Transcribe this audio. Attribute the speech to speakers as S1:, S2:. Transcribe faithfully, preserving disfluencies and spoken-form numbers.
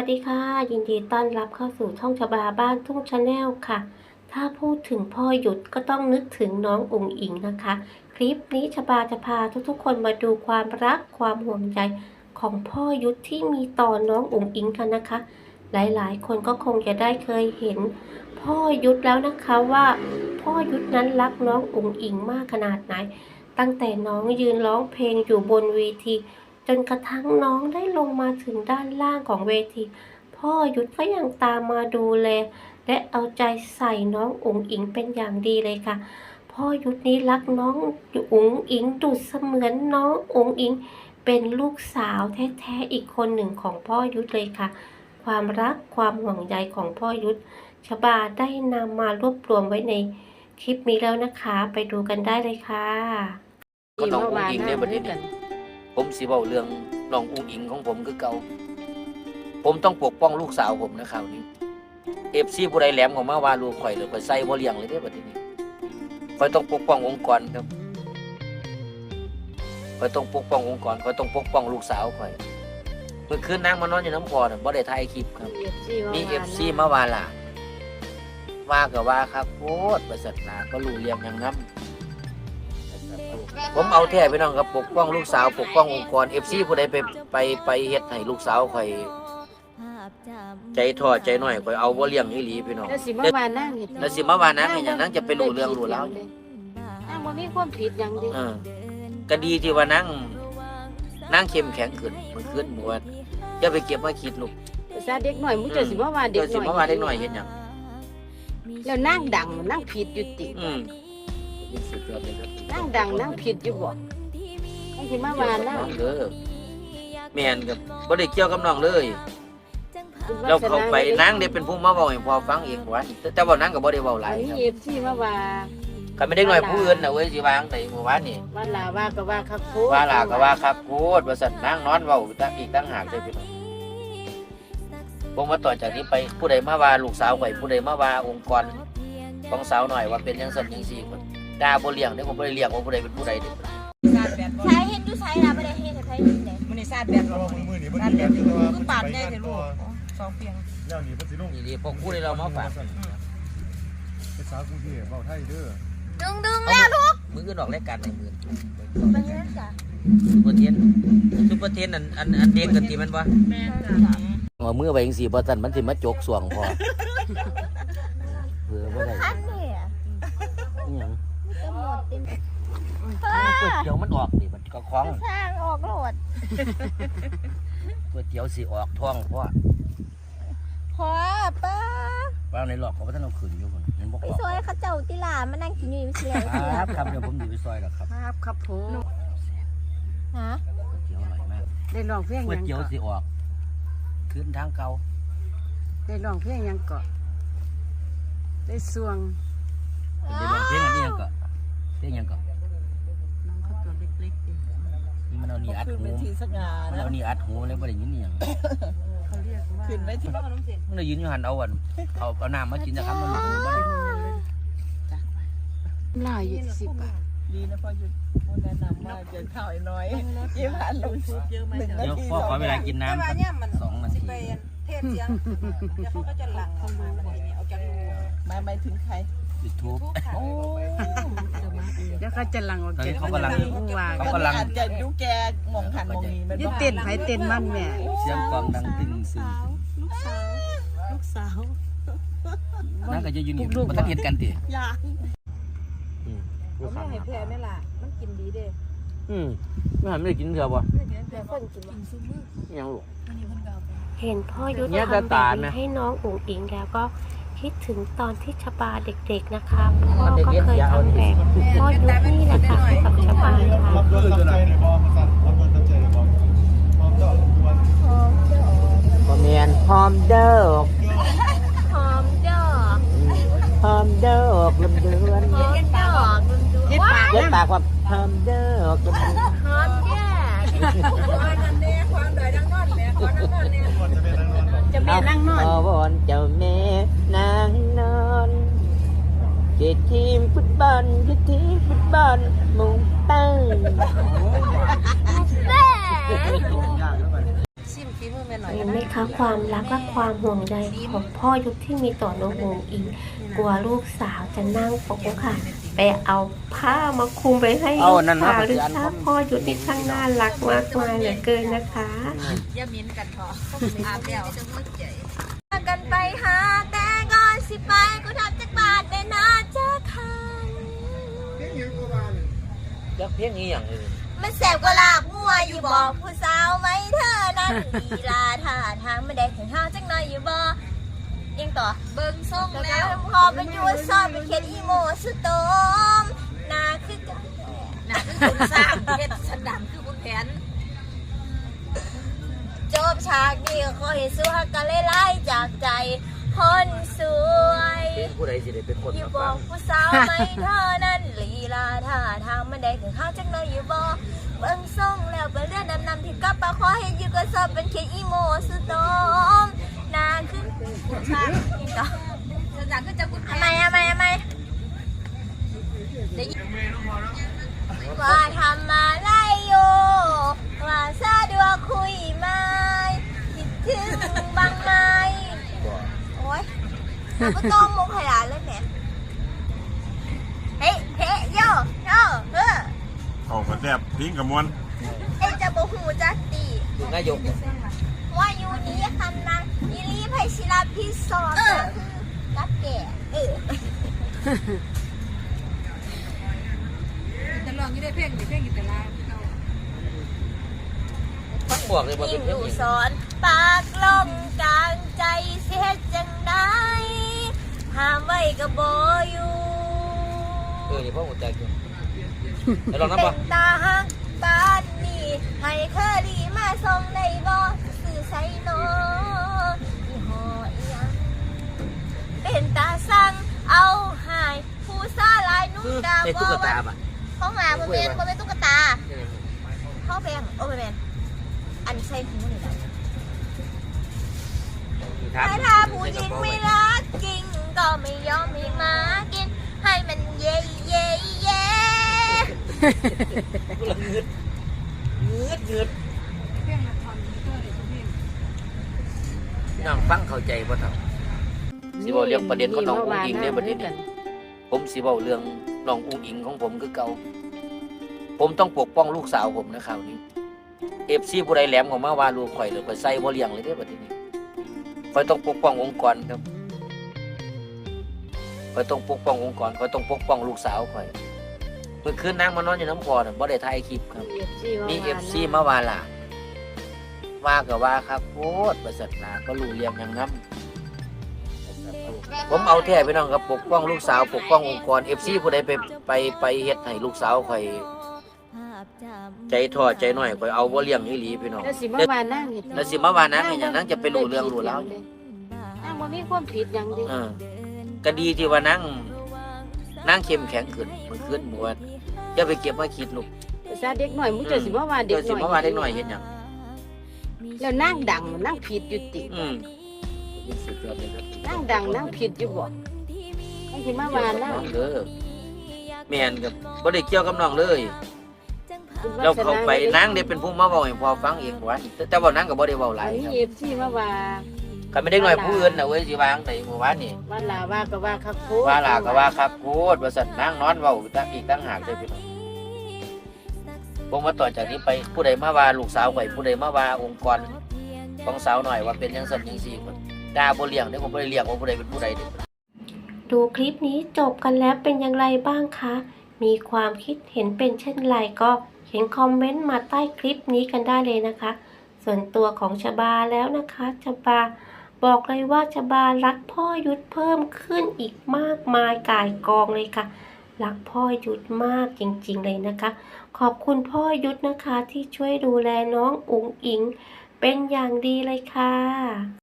S1: วัสดีค่ะยินดีต้อนรับเข้าสู่ช่องชบาบ้านทุ่งชาแนลค่ะถ้าพูดถึงพ่อหยุดก็ต้องนึกถึงน้องอุ๋งอิงนะคะคลิปนี้ชบาจะพาทุกๆคนมาดูความรักความห่วงใยของพ่อยุทธที่มีต่อน้องอุ๋งอิงกันนะคะหลายๆคนก็คงจะได้เคยเห็นพ่อยุทธแล้วนะคะว่าพ่อยุทธนั้นรักน้องอุ๋งอิงมากขนาดไหนตั้งแต่น้องยืนร้องเพลงอยู่บนเวทีจนกระทั่งน้องได้ลงมาถึงด้านล่างของเวทีพ่อยุทธก็ยังตามมาดูแลและเอาใจใส่น้องอุ๋งอิงเป็นอย่างดีเลยค่ะพ่อยุทธนี้รักน้องอุ๋งอิงดุจเสมือนน้องอุ๋งอิงเป็นลูกสาวแท้ๆอีกคนหนึ่งของพ่อยุทธเลยค่ะความรักความห่วงใยของพ่อยุทธชบาได้นำมารวบรวมไว้ในคลิปนี้แล้วนะคะไปดูกันได้เลยค่ะ
S2: ก็น้องอุ๋งอิงเนี่ยบัดนี้ผมสิเว้าเรื่องน้องอุ๋งอิงของผมคือเก่าผมต้องปกป้องลูกสาวผมนะคราวนี้เอฟซีผู้ใดแหลมของมาว่าลูกข่อยเลยข่อยใส่บ่เลี้ยงเลยเด้บัดนี้ข่อยต้องปกป้ององค์กรครับข่อยต้องปกป้ององค์กรข่อยต้องปกป้องลูกสาวข่อยเมื่อคืนนางมานอนอยู่น้ำพอน่ะบ่ได้ถ่ายคลิปครับมี เอฟ ซี มาว่าล่ะว่าก็ว่าครับโคตรประเสริฐนาก็รู้เลี้ยงอย่างนั้นผมเอาแท้พี่น้องครับปกป้องลูกสาวปกป้ององค์กร เอฟ ซี ผู้ใดไปไปไปเฮ็ดให้ลูกสาวข่อยใจท้อใจน้อยข่อยเอาบ่เลี้ยงอีหลีพี่น้อง
S3: แล้วสิมาว่านั่งเฮ็ด
S2: แล้วสิมาว่านั่งเฮ็ดหยังนั่งจะไปรู้เรื่องรู้ราว
S3: นั่งบ่มีความผิดหยังดิ
S2: เออก็ดีที่ว่านั่งนั่งเข้มแข็งขึ้นมันขึ้นหมู่ว่าอย่าไปเก็บมาคิดลูก
S3: ภาษาเด็กน้อยมึงจะสิมาว่าเด็กน้อย
S2: สิมาว่าเด็กน้อยเฮ็ดหยัง
S3: แล้วนั่งดังนั่งผิดอยู่ติ
S2: อืมสุดยอดเลยครับ
S3: นั่งดังนั่งผิดอยู่บ่ไอ้สิมาว่านั่ง
S2: เด้อแม่นกับบ่ได้เกี่ยวกับน้องเลยเราเข้าไปนางได้เป็นผู้มาเว้าให้พ่อฟังเองว่าแต่ว่านางก็บ่ได้เว้าหลายครับ
S3: เอฟซีมาว่า
S2: ก็ไม่ได้น้อยผู้อื่นน่ะเว้ยสิวางได้เมื่อวานนี่
S3: ว่าลาว่าก็ว่าครับพูด
S2: ว่าลาก็ว่าครับพูดว่าซั่นนางนอนเว้าตั้งอีกตั้งหากได้พี่น้องผมว่าต่อจากนี้ไปผู้ใดมาว่าลูกสาวข่อยผู้ใดมาว่าองค์กรของสาวหน่อยว่าเป็นจังซั่นจังซี่พุ่นด่าบ่เลี้ยงเด้ผมบ่ได้เลี้ยงว่าผู้ใดเป็นผู้ใดเด้
S4: ใช้เฮ็ดอยู่ใช้ล่ะบ่ได้เฮ็ดให้ใช้เฮ็ดได้
S5: มื้อนี้ซาดแบบบ่มื้อนี้บ่ได้แบบคือปาดได้แต่ลูกสองเปียง
S2: แล้วนี่เพิ่นสิลงนี่พวกผู้ใดเรามาฝาก
S5: เป็นสาวกรุงเทพเว้าไทยเด้อ
S4: ดึงดึงแล้วลูก
S2: มื้ออื่นออกรายการในมื้อ
S4: บ่เฮ็ดจ้ะ
S2: ซุปเปอร์เทนซุปเปอร์เทนอันอันอันเด้งกันติมันบ่
S4: แม่นจ้ะ
S2: เอามือไปจังซี่บ่ซั่นมันสิมาจกสวงพอเผื่อบ่ได้
S4: คันนี่อ่ะ
S2: อีหยัง
S4: ก็หมดติ
S2: ก๋วยเตี๋ยวมันออกนี่มันก็คล้อง
S4: สร้างออกโลด
S2: ก๋วยเตี๋ยวสิออกท้องพ่อ
S4: พอป้า
S2: ว่าในหลอกเขาบ่ทันเอาขึ้นอยู่พุ่นเห็นบ่
S4: ไปซอยเขาเจ้าติล่ามานั่งกินอยู่สิแล้ว
S2: ครับครับเดี๋ยวผมสิไปซอยดอกครับ
S3: ครับครับผม
S4: ฮะ
S2: ก๋วยเตี๋ยวอร่อยมาก
S3: ได้ร้องเพลงหยัง
S2: ก๋วยเตี๋ยวสิออกขึ้นทางเก่า
S3: ได้ร้องเพลงหยังเกาะได้สวง
S2: ได้ร้องเพลงอันนี้ยังเกาะเพลงยังเกาะ
S3: น้องเขาตัวเล็กๆดิ
S2: นี่มันเอานี่อัดหูมันเอานี่อัดหูเลยบ่ได้ยินอีหยัง
S3: เขาเรียกว่า
S5: ขึ้นไว้ที่บ้านน้ำเสียง
S2: มันได้ยินอยู่หั่นเอาอันเอาเอาน้ำมากินนะครับมันบ่ได้
S3: จ้ะหลายอยู่สิบบาท
S5: ดีนะพ่อหยุดพ่อแนะนำว่าเจอข้าวน้อยยี่ห้าลงซุปเยอะไหม
S2: เดี๋ยวพ่อขอเวลากินน้ำสักสองนาที
S5: เทศเสียงเดี๋ยวเขาก็จะหลั่งออกมาอะไรเนี่ยเอาจากมาไม่ถึงใคร
S2: YouTube
S5: โอ้
S3: เดี๋ยวเขาจะหลังออกจาก
S2: เขากำลัง
S5: เขากำลังจะดูแกมองหันมองนี้มัน
S3: ยึดเต้นไผเต้นมันแม่
S2: เสียงกลองดังตึงซึ้ง
S3: ลูกสาวลูกสาว
S2: นั่นก็จะยืนอยู่มันต้องเห็นกันติ
S5: อยาก
S3: เขาไม่ให้แพ้ไม่ล่ะมันกินดีเด้
S2: อืมไม่หันไม่ได้กินเถอะบ่
S3: แต่คนกิน
S2: ยังลูก
S1: เห็นพ่อยุทธทำแบบนี้ให้น้องอุ๋งอิงแล้วก็คิดถึงตอนที่ชบาเด็กๆนะคะพ่อก็เคยทำแบบพ่อยุทธนี่แหละค่ะให้กับชบาค่ะ
S5: รับด้วยตั้งใจเลยบอมสั่นรับด้วยตั้งใจเลยบอมพร้อมเด้อ
S2: พอเมียนพร้อมเด้อ
S4: หอมเด้อ
S2: พร้อมเด้อลำเดือน
S4: หอมเด้อ
S3: ยึดปาก
S2: ยึดปากว่าพร้อมเด้อลำเดือน
S4: หอมแย่
S5: นั่นเนี่ยความใดดังนอนแม่ความดังนอนเนี่ย
S3: จะแม่นั่งนอน
S2: เอาวอนเจ้าแม่นางนอนเจ็ดทีมฟุตบอลเจ็ดทีมฟุตบอลมุงตั้ง
S4: แม่
S3: ซิมฝีมือแม่
S5: ม่หน่อย
S1: เห็นไหมคะความรักและความห่วงใยของพ่อยุทธที่มีต่อน้องอุ๋งอิงกลัวลูกสาวจะนั่งปกค่ะไปเอาผ้ามาคลุมไปให้ลูกสาวหรือถ้าพ่อยุทธที่ช่างน่ารักมากมายเหลือเกินนะคะ
S5: อย่ามิ้นกันพออาบแล้ว
S4: กันไปหาแต่ก่อนสิไปกูทำจากบาทในนาจะคัน
S2: ยักเพียงนี้อย่างอื่น
S4: มันแสบกว่าลาบงัวอยู่บอกผู้สาวไหมเธอนั้นลีลาท่าทางไม่ได้ถึงห้าวจังหน่อยอยู่บ่ยังต่อเบิ่งส่งแล้วพอเป็นยูซอนเป็นเขียนอีโมสุดโตมนาคือกัน
S5: น่ะคือคุณสร้างเฮ็ดสันดานคือคุณแผน
S4: จบฉากนี้ก็ขอให้สู้ฮักกันไล่ๆจากใจคนสวย
S2: เป็นผู้ใดสิได้เป็นคน
S4: อยู่
S2: มา
S4: บ
S2: ฟั
S4: อง กผู้สาวไหมเธอนั้นลีลาท่าทางมันได้ถึงห้าวจังหน่อยอยู่บ่เบิ่งส่งแล้วเป็นเรื่องนำนำที่กลับปาขอให้อยู่ก็สอบเป็นเขียนอีโมสุดโตมนาคือ
S5: คุณสร้างสันดานคือจะคุณแผ
S4: ทำ
S5: น
S4: ไมทำไมทำไม
S5: ได้ยิน
S4: ว่าทำมาไล่อยู่ว่าสะดวกคุยไหมคิดถึงบ้างไหมโอ๊ยเราก็ต้องมุกขยานเลยแหมเฮ้ยเฮ้ยโยโยเฮ้อ
S6: เอากระแทบทิ้งกับมวน
S4: ไอ้จะบอกหูจักตี
S2: อยู่นายก
S4: ว่าอยู่นี้คันนั้นยิรีไพชิลาพิซซอนกัดแก่เออ
S5: จะลองอยู่ได้เพลงอยู่เพลงอยู่แต่ละเรา
S2: ฟังบอกเลยว่า
S4: ยิ่
S2: เป็น
S4: ง
S2: เพีย
S4: อง ยู่
S2: นี้
S4: สอนปากลมกลางใจเสียจังได้ห้ามไว้ก็บ่อยู่
S2: เออนี่พ่อหัวใจกูไปลอง
S4: เป็
S2: น้ำบ่
S4: นตาหักบ้านนี้ให้เคอรีมาส่งได้บ่สื่อใส่นอยี่ห้ออีหยังเป็นตาสั่งเอาหายผู้ซาลายนุ่งดาว
S2: ในตุ๊กตาป่ะ
S4: ห้องหาบ่เป็นบ่เป็นตุ๊กตาเข้าแบงโอ้บ่เป็นอันใส่หูนี่แหละ ถ้าถ้าผู้หญิงไม่รักจริง ก็ไม่ยอมให้มากิน ให้มันเย่เย่เย่
S2: กูละเงืดเงืดเงืด
S5: เพลงละครเตอร์เลยเพลง
S2: พี่น้องฟังเข้าใจบ่เท่าสิเว้าเรื่องประเด็นของน้องอุ้งอิงเนี่ยประเด็นนี้ผมสิเว้าเรื่องน้องอุ้งอิงของผมคือเก่าผมต้องปกป้องลูกสาวผมนะคราวนี้ เอฟซีผู้ใดแหลมของมาว่าลูกข่อยหรือข่อยใส่บ่เลี้ยงเลยเด้อบัดนี้ข่อยต้องปกป้ององค์กรครับข่อยต้องปกป้ององค์กรข่อยต้องปกป้องลูกสาวข่อยเมื่อคืนนางมานอนอยู่น้ำพอน่ะบ่ได้ถ่ายคลิปครับมีเอฟซีมาว่าล่ะว่าก็ว่าครับโคตรประเสริฐนาก็รู้เรื่องอย่างนั้นผมเอาแท้พี่น้องครับปกป้องลูกสาวปกป้ององค์กร เอฟ ซี ผู้ใดไปไปไปเฮ็ดให้ลูกสาวข่อยใจท้อใจน้อยข่อยเอาบ่เลี้ยงอีหลีพี่น้อง
S3: แล้วสิมาว่านั่งเฮ็ด
S2: แล้วสิมาว่านังให้หยังนังจะไปรู้เรื่องรู้ราว
S3: นั่งบ่มีความผิดหยังเดิ
S2: เออก็ดีที่ว่านั่งนั่งเข้มแข็งขึ้นมันขึ้นบ่ว่าอย่าไปเก็บมาคิดลูก
S3: ภาษาเด็กน้อยมึงจะสิมาว่าเด็
S2: เดี๋ย
S3: ก
S2: วสิ
S3: น้อย
S2: มาว่าเด็กน้อยเฮ็ดหยัง
S3: แล้วนั่งดังนั่งผิดอยู่ติ
S2: อืมสุดยอดเลยครับ
S3: นั่งดังนั่งผิดอยู่บ่ให้สิมาว่านั่ง
S2: น้องเด้อแม่นกับบ่ได้เกี่ยวกับน้องเลยแล้วเขาไปนางได้เป็นผู้มาเว้าให้พ่อฟังเองว่าแต่ว่านางก็บ่ได้เว้าหลาย
S3: อัน
S2: ค
S3: นี้
S2: รับ
S3: เอฟซีมาว่า
S2: ก็ไม่ได้น้อยผู้อื่นน่ะเว้ยสิวางได้เมื่อวานนี่
S3: ว่าลาว่าก็ว่าคักโค
S2: ว่าล่ะก็ว่าครับโคตรว่าซั่นนางนอนเว้าอีกต่างหากเด้อพี่น้องผมว่าต่อจากนี้ไปผู้ใดมาว่าลูกสาวข่อยผู้ใดมาว่าองค์กรของสาวหน่อยว่าเป็นจังซั่นจังซี่พุ่นด่าบ่เลี้ยงเด้อผมบ่ได้เลี้ยงว่าผู้ใดเป็นผู้ใดเด้อ
S1: ดูคลิปนี้จบกันแล้วเป็นอย่างไรบ้างคะ มีความคิดเห็นเป็นเช่นไรก็เขียนคอมเมนต์มาใต้คลิปนี้กันได้เลยนะคะ ส่วนตัวของชบาแล้วนะคะชบาบอกเลยว่าชบารักพ่อยุทธเพิ่มขึ้นอีกมากมายก่ายกองเลยค่ะ รักพ่อยุทธมากจริงๆเลยนะคะ ขอบคุณพ่อยุทธนะคะที่ช่วยดูแลน้องอุ๋งอิงเป็นอย่างดีเลยค่ะ